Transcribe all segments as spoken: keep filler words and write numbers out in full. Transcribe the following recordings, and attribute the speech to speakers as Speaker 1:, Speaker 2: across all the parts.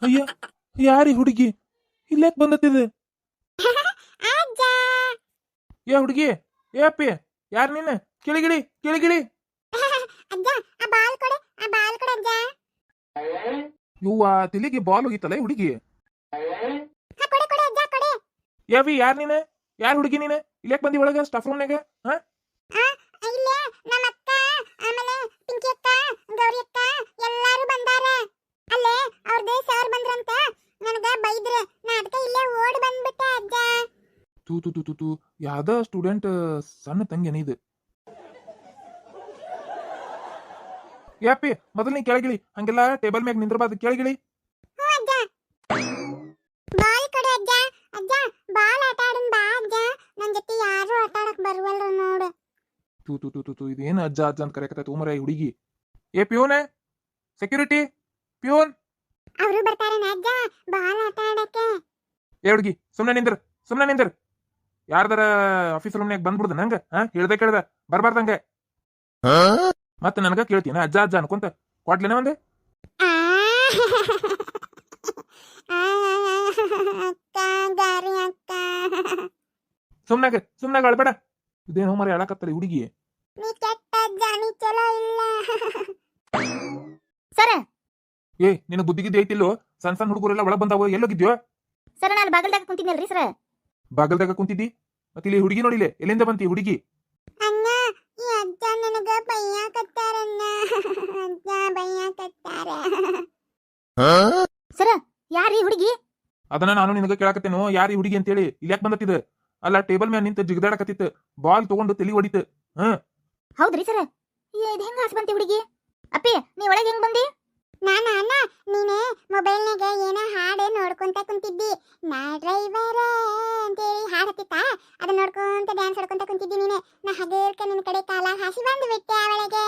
Speaker 1: ಅಯ್ಯ, ಯಾರಿ ಹುಡುಗಿ ಇಲ್ಲೇಕ್ ಬಂದತ್ತಿದ?
Speaker 2: ಅಜ್ಜ
Speaker 1: ಏ ಹುಡುಗಿ, ಏ ಅಪ್ಪಿ, ಯಾರ್ ನೀನ್? ಕೆಳಗಿಳಿ ಕೆಳಗಿಳಿ.
Speaker 2: ಅಜ್ಜ ಆ ಬಾಲ್ ಕೊಡೆ ಆ ಬಾಲ್ ಕೊಡೆ ಅಜ್ಜ.
Speaker 1: ಇವ್ವ ತಲೆಗೆ ಬಾಲ್ ಹೋಗಿತ್ತಲ್ಲ ಈ ಹುಡುಗಿ.
Speaker 2: ಹಾ, ಕೊಡೆ ಕೊಡೆ ಅಜ್ಜ ಕೊಡೆ.
Speaker 1: ಯಾವಿ, ಯಾರ್ ನೀನ್? ಯಾರ್ ಹುಡುಗಿ ನೀನ್? ಇಲ್ಲೇಕ್ ಬಂದಿ ಒಳಗ ಸ್ಟಾಫ್ ರೂಮ್ನಾಗ? ಹಾ,
Speaker 2: ಆ ಇಲ್ಲೇ ನಮ್ಮ ಅಕ್ಕ, ಆಮೇಲೆ ಪಿಂಕಿ ಅಕ್ಕ, ಗೌರಿ ಅಕ್ಕ ಎಲ್ಲಾರು ಬಂದಾರ. ಅಲ್ಲೇ ಅವ್ರದೇ ಸರ್ ಬಂದ್ರಂತ ನನಗ ಬೈದ್ರ. ನಾ ಅದಕ್ಕೆ ಇಲ್ಲೇ ಓಡ್ ಬಂದ್ಬಿಟ್ಟೆ ಅಜ್ಜ.
Speaker 1: ತೂ ತೂ ತೂ ತೂ ತೂ ಯಾವ್ದ ಸ್ಟೂಡೆಂಟ್ ಸಣ್ಣ ತಂಗಿ ಇದು. ಏ ಅಪ್ಪಿ, ಮೊದಲು ನೀ ಕೆಳಗಿಳಿ. ಹಂಗೆಲ್ಲ ಟೇಬಲ್ ಮ್ಯಾಗ ನಿಂದ್ರಬಾರ್ದು, ಕೆಳಗಿಳಿ.
Speaker 2: ಹ್ಞೂ ಅಜ್ಜ. ಬಾಲ್ ಕೊಡೆ ಅಜ್ಜ. ಅಜ್ಜ ಬಾಲ್ ಆಟ ಆಡನ್ ಬಾ ಅಜ್ಜ. ನನ್ ಜೊತೆ ಯಾರು ಆಟ ಆಡಕ್ ಬರುವಲ್ರ ನೋಡು.
Speaker 1: ತೂ ತೂ ತೂ ತೂ ತೂ ಇದೇನು ಅಜ್ಜ ಅಜ್ಜ ಅಂತ ಕರೆಯಕತ್ತ ಉಮರ ಈ ಹುಡುಗಿ. ಏ ಪ್ಯೂನ್, ಸೆಕ್ಯೂರಿಟಿ ಪ್ಯೂನ್.
Speaker 2: ಅವರು ಬರ್ತಾರೇನ ಅಜ್ಜ ಬಾಲ್ ಆಟ ಆಡಕ್ಕೆ?
Speaker 1: ಏ ಹುಡುಗಿ, ಸುಮ್ನೆ ನಿಂದ್ರ, ಸುಮ್ನೆ ನಿಂದ್ರ. ಯಾರ್ದಾರ ಆಫೀಸ್ ರೂಮ್ನಾಗ ಬಂದ್ಬಿಡ್ದ ನಂಗ? ಹಾ, ಹೇಳ್ದೆ ಕೇಳ್ದ ಬರ್ಬಾರ್ದಂಗ. ಮತ್ತೆ ನನಗ ಕೇಳ್ತೀನ ಅಜ್ಜ ಅಜ್ಜ ಅನ್ಕೊಂತ ಕೊಡ್ಲೇನ ಒಂದೆ?
Speaker 2: ಆ, ಅಕ್ಕ ಗಾರಿ ಅಕ್ಕ.
Speaker 1: ಸುಮ್ನಾಗ ಸುಮ್ನಾಗ ಅಳ್ಬೇಡ. ಇದೇನು ಮರ ಹೇಳಕತ್ತಲ್ಲ ಹುಡುಗಿ.
Speaker 2: ನೀ ಕೆಟ್ಟ ಅಜ್ಜ, ನೀ ಚಲೋ ಇಲ್ಲ. ಸರ
Speaker 1: ಏ ನಿನ್ನ ಬುದ್ಧಿಗಿದ್ದು ಐತಿಲ್ಲೋ? ಸಣ್ಣ ಸಣ್ಣ ಹುಡುಗರೆಲ್ಲ ಒಳಗ್ ಬಂದಾವ, ಎಲ್ಲೋಗಿದ್ಯೋ?
Speaker 2: ಸರ ನಾನು ಬಾಗಲ್ದಾಗ ಕುಂತಿದ್ನಲ್ರಿ ಸರ.
Speaker 1: ಬಾಗಲ್ದಾಗ ಕುಂತಿದ್ದಿ? ಮತ್ತೆ ಇಲ್ಲಿ ಹುಡುಗಿ ನೋಡಿಲೆ, ಎಲ್ಲಿಂದ ಬಂತಿ ಹುಡುಗಿ?
Speaker 2: ಅಣ್ಣ ಈ ಅಜ್ಜ ನನಗ ಬೈಯಾಕತ್ತಾರಣ್ಣ. ಅಜ್ಜ ಬೈಯಾಕತ್ತಾರ. ಸರ ಯಾರೀ ಹುಡುಗಿ?
Speaker 1: ಅದನ್ನ ನಾನು ನಿನಗ ಕೇಳಾಕತ್ತೇನು, ಯಾರು ಈ ಹುಡುಗಿ ಅಂತೇಳಿ. ಇಲ್ಲಿ ಯಾಕೆ ಬಂದತ್ತಿದ? ಅಲ್ಲ, ಟೇಬಲ್ ಮ್ಯಾಲ ನಿಂತ ಜಿಗದಾಡಕತ್ತಿತ್ತು, ಬಾಲ್ ತಗೊಂಡು ತಲಿ ಹೊಡಿತು. ಹ್ಮ್,
Speaker 2: ಹೌದ್ರಿ ಸರ. ಇದು ಹೆಂಗ ಆಸೆ ಬಂತಿ ಹುಡುಗಿ? ಅಪ್ಪಿ ನೀ ಒಳಗೆ ಹೆಂಗ್ ಬಂದಿ? ನಾನ ಅಣ್ಣ ನೀನೆ ಮೊಬೈಲ್ನಾಗ ಏನೋ ಹಾಡು ನೋಡ್ಕೊಂತ ಕುಂತಿದ್ದಿ. ನಾ ಡ್ರೈವರ ಅಂತೇಳಿ ಹಾಡು ಹತ್ತಿತ್ತ, ಅದನ್ನ ನೋಡ್ಕೊಂತ ಡ್ಯಾನ್ಸ್ ಆಡ್ಕೊಂತ ಕುಂತಿದ್ದಿ ನೀನೆ. ನಾ ಹಗೇರ್ಕ ನಿನ್ನ ಕಡೆ ಕಾಲ ಹಾಸಿ ಬಂದು ಬಿಟ್ಟೆ ಅವಳಿಗೆ.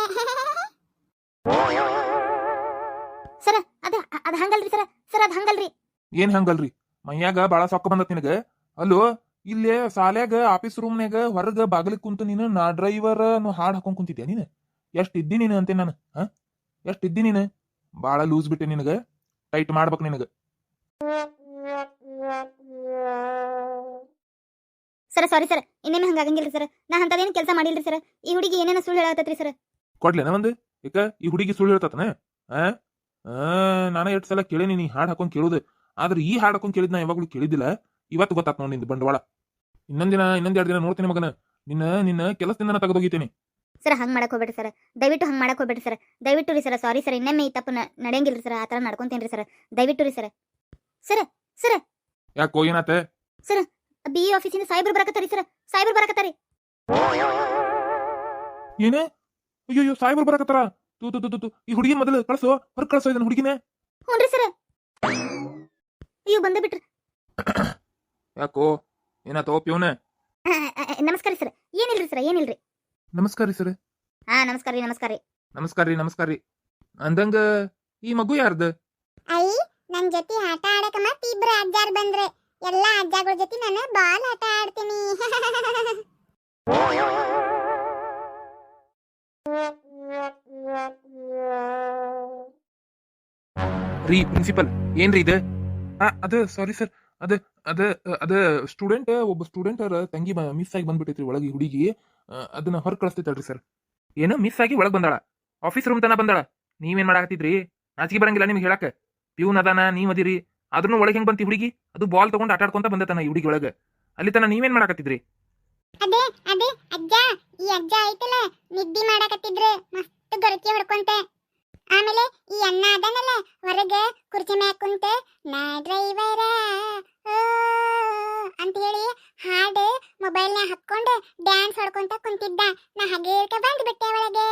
Speaker 2: ಸರ ಅದ ಅದ ಹಂಗಲ್ರಿ ಸರ. ಸರ ಅದ ಹಂಗಲ್ರಿ.
Speaker 1: ಏನ್ ಹಂಗಲ್ರಿ? ಮೈಯಾಗ ಬಾಳ ಸೊಕ್ಕ ಬಂದತ್ ನಿನಗ. ಅಲ್ಲೋ, ಇಲ್ಲೇ ಸಾಲ್ಯಾಗ ಆಫೀಸ್ ರೂಮ್ನಾಗ ಹೊರಗ ಬಾಗಿಲಿಗೆ ಕುಂತು ನೀನು ನಾ ಡ್ರೈವರ್ ಅನ್ನೋ ಹಾಡ್ ಹಾಕೊಂಡ್ ಕುಂತಿದ್ಯಾ ನೀನು? ಎಷ್ಟ್ ಇದ್ದಿ ನೀನು ಅಂತೆ ನಾನು? ಹಾ, ಎಷ್ಟ್ ಇದ್ದಿ ನೀನು? ಬಾಳ ಲೂಸ್ ಬಿಟ್ಟೆ ನಿನಗ, ಟೈಟ್ ಮಾಡ್ಬೇಕು ನಿನಗ.
Speaker 2: ಸರ ಸಾರಿ ಸರ್, ಇನ್ನೇನು ಹಂಗಾಗಂಗಿಲ್ರಿ ಸರ್. ನಾ ಅಂತದೇನು ಕೆಲಸ ಮಾಡಿಲ್ರಿ ಸರ್. ಈ ಹುಡುಗಿ ಏನೇನೋ ಸುಳ್ಳು ಹೇಳತ್ತತ್ರಿ ಸರ್.
Speaker 1: ಕೊಡ್ಲೇನ ಒಂದು? ಯಾಕ ಈ ಹುಡುಗಿ ಸುಳ್ಳು ಹೇಳ್ತತನ? ಆ ನಾನ ಎಷ್ಟು ಸಲ ಕೇಳೇನಿ ನೀ ಹಾಡ್ ಹಾಕೊಂಡ್ ಕೇಳುದು. ಆದ್ರೆ ಈ ಹಾಡ್ ಹಾಕೊಂಡ್ ಕೇಳಿದ್ ನಾ ಯಾವಾಗ್ಲೂ ಕೇಳಿದ್ದಿಲ್ಲ. ಇವತ್ತು ಗೊತ್ತಾತ್ ನೋಡಿ ನಿಂದು ಬಂಡವಾಳ. ಇನ್ನೊಂದಿನ ಇನ್ನೊಂದ್ ಎರಡು ದಿನ ನೋಡ್ತೀನಿ ಮಗನ. ನಿನ್ನ ನಿನ್ನ ಕೆಲಸದಿಂದ ತೆಗೆದೋಗಿತೀನಿ.
Speaker 2: ಸರ್ ಹಂಗ್ ಮಾಡಕ್ ಹೋಗ್ಬೇಡ್ರಿ ಸರ್, ದಯವಿಟ್ಟು ಹಂಗ್ ಮಾಡಕ್ ಹೋಗ್ಬೇಡ್ರಿ ಸರ್. ದಯವಿಟ್ಟು ರೀ ಸರ್, ಸಾರಿ ಸರ್. ಇನ್ನೊಮ್ಮೆ ಈ ತಪ್ಪು ನಡೆಯಂಗಿಲ್ರಿ ಸರ್. ಆ ತರ ನಡ್ಕೊಂತೇನ್ರಿ ಸರ್, ದಯವಿಟ್ಟು ರೀ ಸರ್. ಸರ್ ಸರ್
Speaker 1: ಯಾಕೋ ಏನಾತ?
Speaker 2: ಸರ್ ಬಿ ಆಫೀಸಿಂದ ಸಾಯ್ಬರ್ ಬರಕತ್ತಾರಿ ಸರ್. ಸಾಯ್ಬರ್ ಬರಕತ್ತಾರಿ.
Speaker 1: ಏನೇ? ಅಯ್ಯೋ, ಸಾಯ್ಬರ್ ಬರಕತ್ತಾರ? ತೂ ತೂ ತೂ ತೂ ಈ ಹುಡುಗಿ ಮೊದಲು ಕಳ್ಸೋ, ಹೊರಗೆ ಕಳ್ಸೋ ಇದನ್ನ ಹುಡುಗಿನೇ.
Speaker 2: ಹ್ಞೂನ್ರಿ ಸರ್. ಅಯ್ಯೋ ಬಂದೇ ಬಿಟ್ರಿ.
Speaker 1: ಯಾಕೋ ಏನಾತೋ ಪ್ಯೂನ?
Speaker 2: ನಮಸ್ಕಾರ ಸರ್. ಏನಿಲ್ರಿ ಸರ್, ಏನಿಲ್ರಿ.
Speaker 1: ನಮಸ್ಕಾರ ರೀ ಸರ್.
Speaker 2: ಹಾ ನಮಸ್ಕಾರ ರೀ, ನಮಸ್ಕಾರ ರೀ.
Speaker 1: ನಮಸ್ಕಾರ ರೀ, ನಮಸ್ಕಾರ ರೀ. ಅಂದಂಗ ಈ ಮಗು ಯಾರ್ದ?
Speaker 2: ಐ ನನ್ ಜೊತೆ ಆಟ ಆಡಕ ಮತ್ತೆ ಇಬ್ರು ಅಜ್ಜಾರ್ ಬಂದ್ರೆ ಎಲ್ಲಾ ಅಜ್ಜಗಳ ಜೊತೆ ನಾನು ಬಾಲ್ ಆಟ ಆಡ್ತೀನಿ.
Speaker 1: ರೀ ಪ್ರಿನ್ಸಿಪಲ್, ಏನ್ರಿ ಇದು? ಅದ ಸಾರಿ ಸರ್, ಅದ ಅದ ಅದ ಸ್ಟೂಡೆಂಟ್ ಒಬ್ಬ ಸ್ಟೂಡೆಂಟ್ ಅವ್ರ ತಂಗಿ ಮಿಸ್ ಆಗಿ ಬಂದ್ಬಿಟ್ಟೈತ್ರಿ ಒಳಗೆ ಹುಡುಗಿ. ಅದನ್ನ ಹೊರ ಕಳಿಸ್ತೈತಲ್ರಿ ಸರ್. ಏನೋ ಮಿಸ್ ಆಗಿ ಒಳಗ್ ಬಂದಾಳ, ಆಫೀಸ್ ರೂಮ್ ತನ ಬಂದಾಳ. ನೀವೇನ್ ಮಾಡಾಕತ್ತಿದ್ರಿ? ನಾಚಿಕೆ ಬರಂಗಿಲ್ಲ ನಿಮ್ಗೆ ಹೇಳಕ್? ಪ್ಯೂನ್ ಅದಾನ, ನೀವ್ ಅದಿರಿ, ಅದ್ರೂ ಒಳಗೆ ಹೆಂಗ್ ಬಂತಿ ಹುಡುಗಿ? ಅದು ಬಾಲ್ ತಗೊಂಡ್ ಆಟ ಆಡ್ಕೊಂತ ಬಂದತನ ಈ ಹುಡುಗಿ ಒಳಗ. ಅಲ್ಲಿ ತನ ನೀವೇನ್ ಮಾಡಾಕತ್ತಿದ್ರಿ?
Speaker 2: ಅದೇ ಅದೇ ಅಜ್ಜ, ಈ ಅಜ್ಜ ಐತಲ್ಲ ನಿದ್ದಿ ಮಾಡಾಕತ್ತಿದ್ರು ಮಸ್ತ್ ಗೊರಕಿ ಹೊಡ್ಕೊಂತೆ. ಆಮೇಲೆ ಈ ಅಣ್ಣ ಅದನಲ್ಲ ಹೊರಗೆ ಕುರ್ಚಿ ಮ್ಯಾಗ ಕುಂತ ನಾ ಡ್ರೈವರ ಅಂತ ಹೇಳಿ ಹಾಡು ಮೊಬೈಲ್ನಾಗ ಹಾಕೊಂಡು ಡ್ಯಾನ್ಸ್ ಹೊಡ್ಕೊಂತ ಕುಂತಿದ್ದ. ನಾ ಹಗೇರ್ಕ ಬಂದ್ ಬಿಟ್ಟೆ ಒಳಗೆ.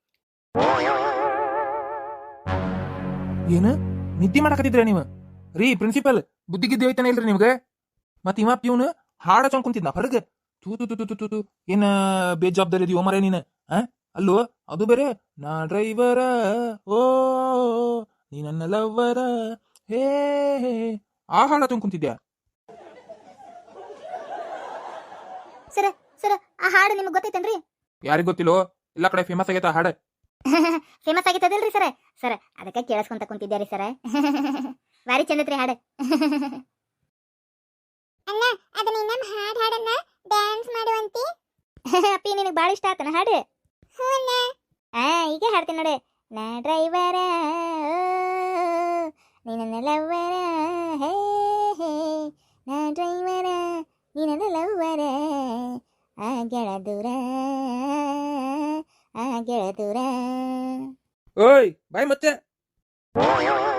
Speaker 1: ಏನ ನಿದ್ದೆ ಮಾಡಾಕತ್ತಿದ್ರ ನೀವು? ರೀ ಪ್ರಿನ್ಸಿಪಲ್, ಬುದ್ಧಿಗಿದ್ದೆ ಐತಾನೆ ಇಲ್ರಿ ನಿಮ್ಗೆ? ಮತ್ ಇವ ಪ್ಯೂನ್ ಹಾಡ ಚೊಂಡ್ ಕುಂತಿದ್ನ ಹೊರಗೆ. ತೂ ತೂ ತೂ ತೂ ತೂ ಏನ ಬೇಜವಾಬ್ದಾರಿ ಇದೀವೋ ಮರೆ ನೀನ? ಆ ಅಲ್ಲೋ, ಅದು ಬೇರೆ ನಾ ಡ್ರೈವರ ಓ ನೀ ನನ್ನ ಲವ್ವರ ಹೇ ಆ ಹಾಡ ಚೊಂಡ್ ಕುಂತಿದ್ಯಾ?
Speaker 2: ಸರ ಸರ ಆ ಹಾಡು ನಿಮ್ಗೆ ಗೊತ್ತೈತೇನ್ರಿ?
Speaker 1: ಯಾರಿಗ್ ಗೊತ್ತಿಲ್ಲೋ, ಎಲ್ಲಾ ಕಡೆ ಫೇಮಸ್ ಆಗೈತ ಹಾಡ.
Speaker 2: ಫೇಮಸ್ ಆಗೈತದಲ್ರಿ ಸರ. ಸರ ಅದಕ್ಕೆ ಕೇಳಿಸ್ಕೊಂತ ಕುಂತಿದ್ಯಾರಿ ಸರ. ಬಾರಿ ಚಂದತ್ರಿ ಹಾಡು. ಅಣ್ಣ ಅದನ್ನ ಇನ್ನೊಮ್ಮೆ ಹಾಡು ಹಾಡನ್ನ ಡ್ಯಾನ್ಸ್ ಮಾಡುವಂತಿ. ಅಪ್ಪಿ ನಿನಗೆ ಭಾಳ ಇಷ್ಟ ಆತನ ಹಾಡು? ಹ್ಞೂ ಅಣ್ಣ. ಆ ಈಗ ಹಾಡ್ತೀನಿ ನೋಡಿ. ನಾ ಡ್ರೈವರ ನೀನ ಲವ್ವರ ಹೇ ಹೇ ನಾ ಡ್ರೈವರ ನೀನ ಲವ್ವರ ಆ ಗೆಳ ದೂರ ಆ ಗೆಳ ದೂರ.
Speaker 1: ಓಯ್ ಬಾಯ್ ಮತ್ತೆ